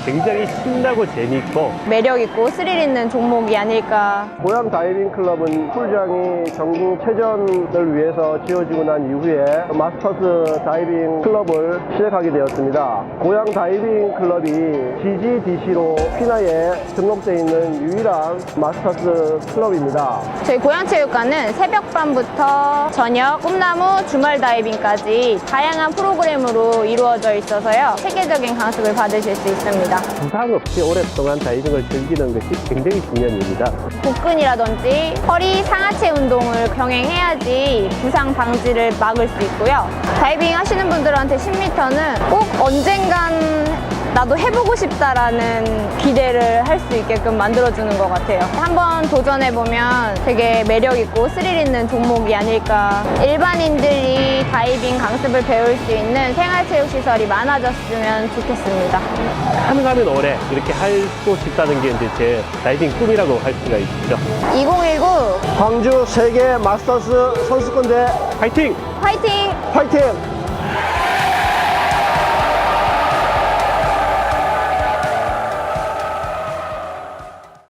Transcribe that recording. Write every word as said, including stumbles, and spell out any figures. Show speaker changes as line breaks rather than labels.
굉장히 신나고 재밌고
매력있고 스릴 있는 종목이 아닐까.
고양 다이빙 클럽은 풀장이 전국 체전을 위해서 지어지고 난 이후에 마스터스 다이빙 클럽을 시작하게 되었습니다. 고양 다이빙 클럽이 지지디씨로 피나에 등록되어 있는 유일한 마스터스 클럽입니다.
저희 고양체육관은 새벽반부터 저녁, 꿈나무, 주말 다이빙까지 다양한 프로그램으로 이루어져 있어서요. 체계적인 강습을 받으실 수 있습니다.
부상 없이 오랫동안 다이빙을 즐기는 것이 굉장히 중요한 일입니다.
복근이라든지 허리 상하체 운동을 병행해야지 부상 방지를 막을 수 있고요. 다이빙 하시는 분들한테 십 미터는 꼭 언젠간 나도 해보고 싶다라는 기대를 할 수 있게끔 만들어주는 것 같아요. 한번 도전해보면 되게 매력있고 스릴 있는 종목이 아닐까. 일반인들이 다이빙 강습을 배울 수 있는 생활체육시설이 많아졌으면 좋겠습니다.
가능하면 올해 이렇게 하고 싶다는 게 이제 제 다이빙 꿈이라고 할 수가 있죠.
이천십구
광주 세계 마스터스 선수권대
파이팅!
화이팅!
화이팅!